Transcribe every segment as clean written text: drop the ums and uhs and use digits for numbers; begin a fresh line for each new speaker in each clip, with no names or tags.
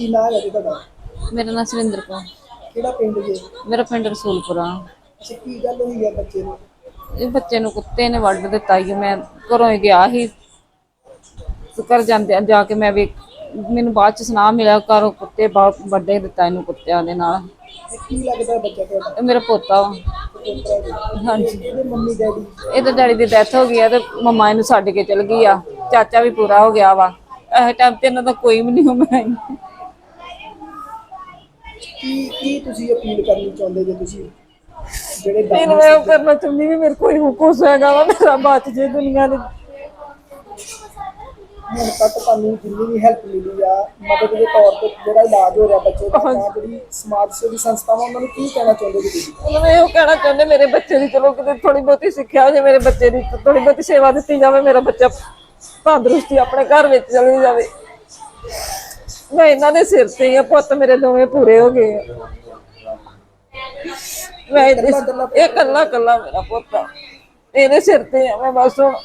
ਕੀ ਨਾਂ ਹੈ ਤੁਹਾਡਾ?
ਮੇਰਾ ਨਾਮ ਸੁਰਿੰਦਰ ਕੌਰ।
ਕਿਹੜਾ ਪਿੰਡ ਜੇ?
ਮੇਰਾ ਪਿੰਡ ਰਸੂਲਪੁਰਾ।
ਅੱਛਾ, ਕੀ ਗੱਲ ਹੋਈ ਹੈ ਬੱਚੇ ਨੂੰ?
ਇਹ ਬੱਚੇ ਨੂੰ ਕੁੱਤੇ ਨੇ ਵੱਢ ਦਿੱਤਾ ਜੀ। ਮੈਂ ਘਰੋਂ ਹੀ ਗਿਆ ਸੀ, ਘਰ ਜਾਂਦੇ ਜਾ ਕੇ ਮੈਂ ਵੀ ਮੈਨੂੰ ਬਾਅਦ ਚ ਸੁਨਾਹ ਮਿਲਿਆ ਘਰੋਂ ਕੁੱਤੇ ਬਹੁਤ ਵੱਢੇ ਦਿੱਤਾ ਇਹਨੂੰ ਕੁੱਤਿਆਂ ਦੇ ਨਾਲ।
ਕੀ ਲੱਗਦਾ ਬੱਚਾ ਤੁਹਾਡਾ?
ਇਹ ਮੇਰਾ ਪੋਤਾ ਵਾ।
ਪੋਤਰਾ ਜੀ?
ਹਾਂਜੀ,
ਇਹਦੇ ਮੰਮੀ ਡੈਡੀ?
ਇਹਦੇ ਡੈਡੀ ਦੀ ਡੈਥ ਹੋ ਗਈ ਆ ਤੇ ਮੰਮਾ ਇਹਨੂੰ ਛੱਡ ਕੇ ਚਲ ਗਈ ਆ। ਚਾਚਾ ਵੀ ਪੂਰਾ ਹੋ ਗਿਆ ਵਾ। ਇਸ ਟਾਈਮ ਤੇ ਇਹਨਾਂ ਦਾ ਕੋਈ ਵੀ ਨਹੀਂ ਹੋਣਾ।
ਕੀ ਤੁਸੀਂ ਅਪੀਲ ਕਰਨੀ ਚਾਹੁੰਦੇ ਜੇ ਤੁਸੀਂ ਜਿਹੜੇ
ਫਿਰ ਮੈਂ ਉਹ ਕਰਨਾ ਚਾਹੁੰਦੀ ਵੀ ਮੇਰੇ ਕੋਈ ਕੁਛ ਹੈਗਾ ਵਾ, ਮੇਰਾ ਬਚ ਜੇ ਦੁਨੀਆ ਦੇ।
ਹੁਣ ਤੱਕ ਤੁਹਾਨੂੰ ਜਿੰਨੀ ਵੀ ਹੈਲਪ ਮਿਲੀ ਆ ਮਦਦ ਦੇ ਤੌਰ ਤੇ, ਜਿਹੜਾ ਇਲਾਜ ਹੋ ਰਿਹਾ ਬੱਚੇ ਦਾ, ਜਾਂ ਜਿਹੜੀ ਸਮਾਜ ਸੇਵੀ ਸੰਸਥਾਵਾਂ ਉਹਨਾਂ ਨੂੰ ਕੀ ਕਹਿਣਾ ਚਾਹੁੰਦੇ ਜੀ ਤੁਸੀਂ?
ਉਹਨਾਂ ਨੂੰ ਇਹੋ ਕਹਿਣਾ ਚਾਹੁੰਦੇ ਮੇਰੇ ਬੱਚੇ ਦੀ ਚਲੋ ਕਿਤੇ ਥੋੜੀ ਬਹੁਤੀ ਸਿੱਖਿਆ ਹੋ ਜਾਏ, ਮੇਰੇ ਬੱਚੇ ਦੀ ਥੋੜੀ ਬਹੁਤੀ ਸੇਵਾ ਦਿੱਤੀ ਜਾਵੇ, ਮੇਰਾ ਬੱਚਾ ਤੰਦਰੁਸਤੀ ਆਪਣੇ ਘਰ ਵਿੱਚ ਚਲੀ ਜਾਵੇ। ਮੈਂ ਇਹਨਾਂ ਦੇ ਸਿਰ ਤੇ ਹੀ ਆ, ਪੁੱਤ ਮੇਰੇ ਦੋਵੇਂ ਪੂਰੇ ਹੋ ਗਏ ਆ। ਮੈਂ ਇਹ ਕੱਲਾ ਕੱਲਾ ਮੇਰਾ ਪੁੱਤ ਇਹਦੇ ਸਿਰ ਤੇ ਆ। ਮੈਂ ਬਸ ਹੁਣ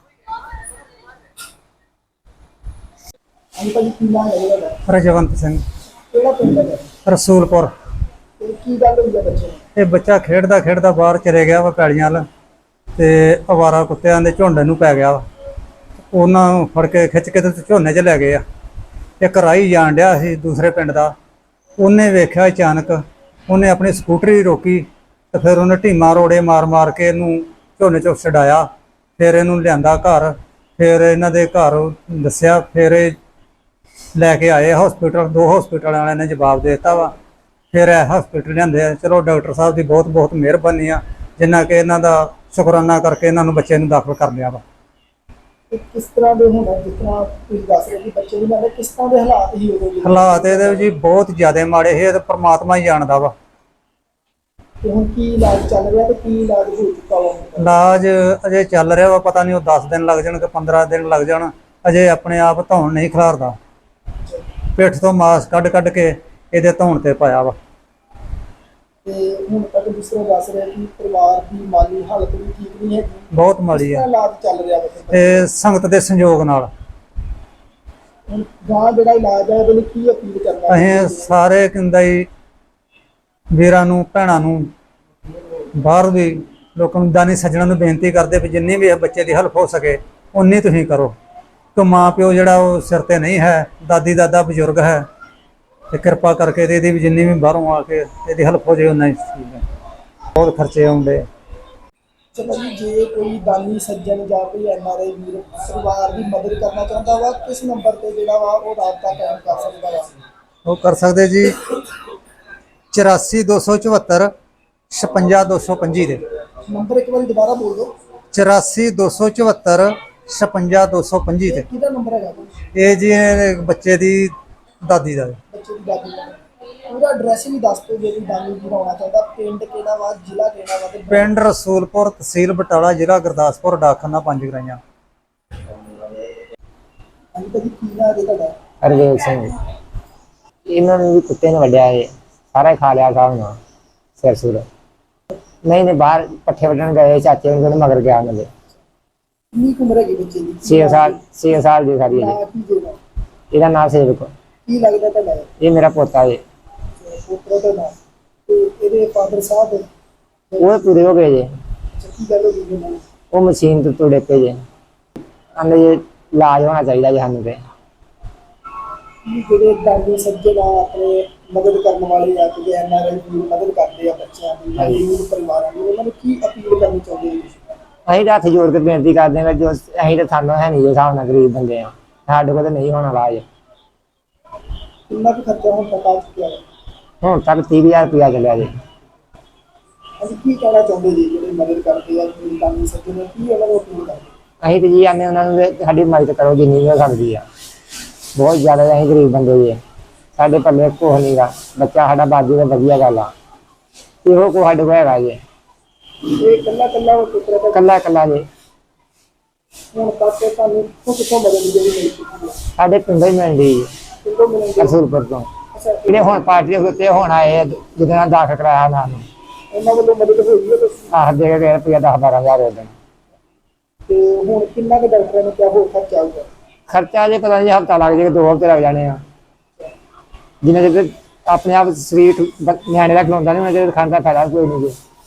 ਭਾਜੀ ਕੀ ਨਾਂ ਹੈ ਤੁਹਾਡਾ?
ਰਜਵੰਤ ਸਿੰਘ,
ਕਿਹੜਾ ਪਿੰਡ ਹੈ?
ਰਸੂਲਪੁਰ।
ਤੇ ਕੀ ਗੱਲ ਹੋਈ ਹੈ ਬੱਚੇ ਨੂੰ?
ਇਹ ਬੱਚਾ ਖੇਡਦਾ ਖੇਡਦਾ ਬਾਹਰ ਚਲੇ ਗਿਆ ਵਾ ਪੈਲੀਆਂ ਵੱਲ, ਤੇ ਅਵਾਰਾ ਕੁੱਤਿਆਂ ਦੇ ਝੁੰਡ ਨੂੰ ਪੈ ਗਿਆ ਵਾ। ਉਹਨਾਂ ਨੂੰ ਫੜ ਕੇ ਖਿੱਚ ਕੇ ਤੇ ਝੋਨੇ 'ਚ ਲੈ ਗਏ ਆ। ਇੱਕ ਰਾਹੀ ਜਾਣ ਡਿਆ ਸੀ ਦੂਸਰੇ ਪਿੰਡ ਦਾ, ਉਹਨੇ ਵੇਖਿਆ ਅਚਾਨਕ, ਉਹਨੇ ਆਪਣੀ ਸਕੂਟਰੀ ਰੋਕੀ ਤੇ ਫਿਰ ਉਹਨੇ ਢੀਮਾਂ ਰੋੜੇ ਮਾਰ ਮਾਰ ਕੇ ਇਹਨੂੰ ਝੋਨੇ 'ਚੋਂ ਛਡਾਇਆ। ਫਿਰ ਇਹਨੂੰ ਲਿਆਂਦਾ ਘਰ, ਫਿਰ ਇਹਨਾਂ ਦੇ ਘਰ ਦੱਸਿਆ, ਫਿਰ ਇਹ ਲੈ ਕੇ ਆਏ ਹਸਪੀਟਲ। 2 ਹਸਪੀਟਲ ਵਾਲਿਆਂ ਨੇ ਜਵਾਬ ਦੇ ਦਿੱਤਾ ਵਾ। ਫਿਰ ਇਹ ਹਸਪੀਟਲ ਲਿਆਂਦੇ ਆ। ਚਲੋ ਡਾਕਟਰ ਸਾਹਿਬ ਦੀ ਬਹੁਤ ਬਹੁਤ ਮਿਹਰਬਾਨੀ ਆ, ਜਿੰਨਾ ਕਿ ਇਹਨਾਂ ਦਾ ਸ਼ੁਕਰਾਨਾ ਕਰਕੇ ਇਹਨਾਂ ਨੂੰ ਬੱਚੇ ਨੂੰ ਦਾਖਲ ਕਰ ਲਿਆ ਵਾ।
ਕਿਸ ਤਰ੍ਹਾਂ ਦੇ ਹੋਣਾ, ਜਿਸ ਤਰ੍ਹਾਂ ਤੁਸੀਂ ਦੱਸ ਰਹੇ ਕਿ ਬੱਚੇ ਦੀ ਨਾਲ ਕਿਸ ਤਰ੍ਹਾਂ ਦੇ ਹਾਲਾਤ ਹੀ ਉਦੋਂ ਦੇ?
ਹਾਲਾਤ ਇਹਦੇ ਜੀ ਬਹੁਤ ਜ਼ਿਆਦਾ ਮਾੜੇ ਸੀ, ਇਹ ਤਾਂ ਪਰਮਾਤਮਾ ਹੀ ਜਾਣਦਾ ਵਾ।
ਤੇ ਹੁਣ ਕੀ ਇਲਾਜ ਚੱਲ ਰਿਹਾ ਤੇ ਕੀ ਇਲਾਜ ਹੋ ਚੁੱਕਾ ਵਾ?
ਇਲਾਜ ਅਜੇ ਚੱਲ ਰਿਹਾ ਵਾ, ਪਤਾ ਨਹੀਂ ਉਹ 10 ਦਿਨ ਲੱਗ ਜਾਣ ਕਿ 15 ਦਿਨ ਲੱਗ ਜਾਣ। ਅਜੇ ਆਪਣੇ ਆਪ ਧੌਣ ਨਹੀਂ ਖਿਲਾਰਦਾ। ਪਿੱਠ ਤੋਂ ਮਾਸ ਕੱਢ ਕੱਢ ਕੇ ਇਹਦੇ ਧੌਣ ਤੇ ਪਾਇਆ ਵਾ।
ਤੇ ਹੁਣ ਤੱਕ ਦੂਸਰੇ ਦੱਸ ਰਿਹਾ ਕਿ ਪਰਿਵਾਰ ਦੀ ਮਾਲੀ ਹਾਲਤ ਵੀ ਠੀਕ ਨਹੀਂ ਹੈਗੀ,
ਬਹੁਤ ਮਾੜੀ ਆ।
ਇਲਾਜ ਚੱਲ ਰਿਹਾ ਵਾ
ਤੇ ਸੰਗਤ ਦੇ ਸੰਯੋਗ ਨਾਲ
ਹੁਣ ਗਾਂ ਜਿਹੜਾ ਇਲਾਜ ਹੈ ਉਹਦੇ ਲਈ ਕੀ ਅਪੀਲ ਕਰਨਾ?
ਅਸੀਂ ਸਾਰੇ ਕਹਿੰਦਾ ਹੀ ਵੀਰਾਂ ਨੂੰ, ਭੈਣਾਂ ਨੂੰ, ਬਾਹਰ ਵੀ ਲੋਕਾਂ ਨੂੰ, ਦਾਨੀ ਸੱਜਣਾਂ ਨੂੰ ਬੇਨਤੀ ਕਰਦੇ ਵੀ ਜਿੰਨੀ ਵੀ ਬੱਚੇ ਦੀ ਹੈਲਪ ਹੋ ਸਕੇ ਉਨੀ ਤੁਸੀਂ ਕਰੋ। ਕਿ ਮਾਂ ਪਿਓ ਜਿਹੜਾ ਉਹ ਸਿਰ ਤੇ ਨਹੀਂ ਹੈ, ਦਾਦੀ ਦਾਦਾ ਬਜ਼ੁਰਗ ਹੈ, ਤੇ ਕਿਰਪਾ ਕਰਕੇ ਇਹਦੀ ਵੀ ਜਿੰਨੀ ਵੀ ਬਾਹਰੋਂ ਆ ਕੇ ਇਹਦੀ ਹੈਲਪ ਹੋ ਜਾਏ ਉਨਾ ਹੀ ਠੀਕ ਹੈ। ਬਹੁਤ ਖਰਚੇ ਆਉਂਦੇ।
ਚਲੋ ਜੀ, ਜੇ ਕੋਈ ਦਾਨੀ ਸੱਜਣ ਜਾਂ ਕੋਈ NRI ਵੀਰ ਪਰਿਵਾਰ ਦੀ ਮਦਦ ਕਰਨਾ ਚਾਹੁੰਦਾ ਵਾ, ਕਿਸ ਨੰਬਰ ਤੇ ਜਿਹੜਾ ਵਾ ਉਹ ਰਾਬਤਾ ਕਾਇਮ ਕਰ ਸਕਦਾ ਵਾ?
ਉਹ ਕਰ ਸਕਦੇ ਜੀ 84 274 56 225 ਦੇ।
ਨੰਬਰ ਇੱਕ ਵਾਰੀ ਦੁਬਾਰਾ ਬੋਲ ਦਿਓ।
84 274 56 225 ਤੇ।
ਕਿਹਦਾ ਨੰਬਰ ਹੈਗਾ?
ਇਹ ਜੀ ਬੱਚੇ ਦੀ ਦਾਦੀ ਦਾ।
ਬੱਚੇ ਦੀ ਦਾਦੀ ਦਾ ਪੂਰਾ ਐਡਰੈਸ ਵੀ ਦੱਸ ਦਿਓ ਜੇ ਕੋਈ ਦਾਨੀ ਵੀਰ ਆਉਣਾ ਚਾਹੁੰਦਾ। ਪਿੰਡ ਕਿਹੜਾ ਵਾ, ਜ਼ਿਲ੍ਹਾ ਕਿਹੜਾ ਵਾ? ਤੇ
ਪਿੰਡ ਰਸੂਲਪੁਰ, ਤਹਿਸੀਲ ਬਟਾਲਾ, ਜ਼ਿਲ੍ਹਾ ਗੁਰਦਾਸਪੁਰ, ਡਾਕਖਾਨਾ 5 ਗਰਾਈਆਂ।
ਹਾਂਜੀ ਭਾਜੀ, ਕੀ ਨਾਂ ਹੈ ਤੁਹਾਡਾ?
ਹਰਵੇਲ ਸਿੰਘ। ਇਹਨਾਂ ਨੂੰ ਵੀ ਕੁੱਤੇ ਨੇ ਵੱਢਿਆ ਹੈ, ਸਾਰਾ ਹੀ ਖਾ ਲਿਆ ਸਾਹਿਬ ਨਾਲ ਸਿਰ ਸੁਰ। ਨਹੀਂ ਬਾਹਰ ਪੱਠੇ ਵੱਢਣ ਗਏ, ਚਾਚੇ ਉਹਨਾਂ ਦੇ ਮਗਰ ਗਿਆ ਉਹਨਾਂ ਦੇ।
ਕਿੰਨੀ ਕੁ ਉਮਰ ਹੈਗੀ ਬੱਚੇ ਦੀ?
6 ਸਾਲ ਦੀ ਸਾਰੀ ਹੈ
ਨਾਂ ਕੀ ਜੇ ਦਾ?
ਇਹਦਾ ਨਾਮ ਸੇਵਕ।
ਕੀ ਲੱਗਦਾ ਤੁਹਾਡਾ?
ਇਹ ਮੇਰਾ ਪੋਤਾ ਹੈ।
ਪੁੱਤਰ ਦਾ ਨਾਮ ਤੇ ਇਹਦੇ ਫਾਦਰ ਸਾਹਿਬ?
ਉਹ ਪੂਰੇ ਹੋ ਗਏ ਜੇ।
ਕੀ ਗੱਲ ਹੋ ਗਈ ਇਹਨਾਂ ਨੂੰ?
ਉਹ ਮਸ਼ੀਨ ਤੋਂ ਤੁੜੇ ਪਏ ਜੇ। ਕਹਿੰਦੇ ਜੇ ਇਲਾਜ ਹੋਣਾ ਚਾਹੀਦਾ ਜੀ ਸਾਨੂੰ ਤੇ।
ਜਿਹੜੇ ਦਾਨੀ ਸੱਜਣ ਆ ਆਪਣੇ ਮਦਦ ਕਰਨ ਵਾਲੇ ਆ, ਕਿ NRI ਵੀਰ ਮਦਦ ਕਰਦੇ ਆ ਬੱਚਿਆਂ ਦੀ ਜਾਂ ਗਰੀਬ ਪਰਿਵਾਰਾਂ ਦੀ, ਉਹਨਾਂ ਨੂੰ ਕੀ ਅਪੀਲ ਕਰਨੀ ਚਾਹੁੰਦੇ ਜੀ?
ਅਸੀਂ ਤਾਂ ਹੱਥ ਜੋੜ ਕੇ ਬੇਨਤੀ ਕਰਦੇ ਹਾਂ, ਜੋ ਅਸੀਂ ਤਾਂ ਸਾਨੂੰ ਹੈ ਨਹੀਂ, ਜੋ ਹਿਸਾਬ ਨਾਲ ਗਰੀਬ ਬੰਦੇ ਆ, ਸਾਡੇ ਕੋਲ ਤਾਂ ਨਹੀਂ ਹੋਣਾ ਇਲਾਜ।
ਕਿੰਨਾ ਕੁ ਖਰਚਾ ਹੁਣ ਤੱਕ ਆ ਚੁੱਕਿਆ ਹੈ?
ਹੁਣ ਤੱਕ 30,000 ਰੁਪਇਆ ਚੱਲਿਆ ਜੀ।
ਅਸੀਂ ਕੀ ਕਹਿਣਾ ਚਾਹੁੰਦੇ ਜੀ ਜਿਹੜੇ ਮਦਦ ਕਰਦੇ ਆ ਦਾਨੀ ਸੱਜਣ, ਕੀ ਉਹਨਾਂ ਨੂੰ ਅਪੀਲ ਕਰਦੇ?
ਅਸੀਂ ਤਾਂ ਜੀ ਆਨੇ ਉਹਨਾਂ ਨੂੰ ਵੀ ਸਾਡੀ ਮਦਦ ਕਰੋ ਜਿੰਨੀ ਵੀ ਹੋ ਸਕਦੀ ਆ। ਬਹੁਤ ਜ਼ਿਆਦਾ ਅਸੀਂ ਗਰੀਬ ਬੰਦੇ ਜੀ, ਸਾਡੇ ਪੱਲੇ ਕੁਛ ਨਹੀਂ ਗਾ। ਬੱਚਾ ਸਾਡਾ ਬਾਜੂ ਦਾ ਵਧੀਆ ਗੱਲ ਆ, ਇਹੋ ਕੋ ਸਾਡੇ ਕੋਲ ਹੈਗਾ ਜੀ।
ਇਹ ਕੱਲਾ ਪੁੱਤਰ ਦਾ?
ਕੱਲਾ ਕੱਲਾ ਜੀ।
ਹੁਣ ਤੱਕ ਤੁਹਾਨੂੰ ਕਿੱਥੋਂ ਮਦਦ ਜਿਹੜੀ ਮਿਲ ਚੁੱਕੀ ਹੈ?
ਸਾਡੇ ਪਿੰਡੋਂ ਹੀ ਮਿਲਦੀ ਜੀ,
ਕਿੰਦੋਂ ਮਿਲਣਗੇ?
ਰਸੂਲਪੁਰ ਤੋਂ।
ਅੱਛਾ,
ਜਿਹੜੇ ਹੁਣ ਪਾਰਟੀ ਦੇ ਉੱਤੇ ਹੁਣ ਆਏ ਜਿਹਦੇ ਨਾਲ ਦਾਖਲ ਕਰਾਇਆ ਉਹਨਾਂ ਨੂੰ,
ਉਹਨਾਂ ਵੱਲੋਂ ਮਦਦ ਹੋਈ ਹੈ ਤੁਸੀਂ?
ਆਹ ਦੇ ਕੇ ਰੁਪਇਆ 10-12 ਹਜ਼ਾਰ ਹੋ ਜਾਣਾ।
ਤੇ ਹੁਣ ਕਿੰਨਾ ਕੁ ਡਾਕਟਰਾਂ ਨੇ ਕਿਹਾ ਹੋਰ ਖਰਚਾ ਆਊਗਾ?
ਖਰਚਾ ਜੇ ਪਤਾ ਨਹੀਂ ਹਫ਼ਤਾ ਲੱਗ ਜਾਏਗਾ, 2 ਹਫ਼ਤੇ ਲੱਗ ਜਾਣੇ ਆ। ਜਿੰਨਾ ਚਿਰ ਆਪਣੇ ਆਪ ਸਰੀਰ ਨਿਆਣੇ ਦਾ ਖਿਲਾਉਂਦਾ ਨਹੀਂ ਉਹਨਾਂ ਚਿਰ ਖਾਣ ਦਾ ਫਾਇਦਾ ਕੋਈ ਨਹੀਂ ਜੀ।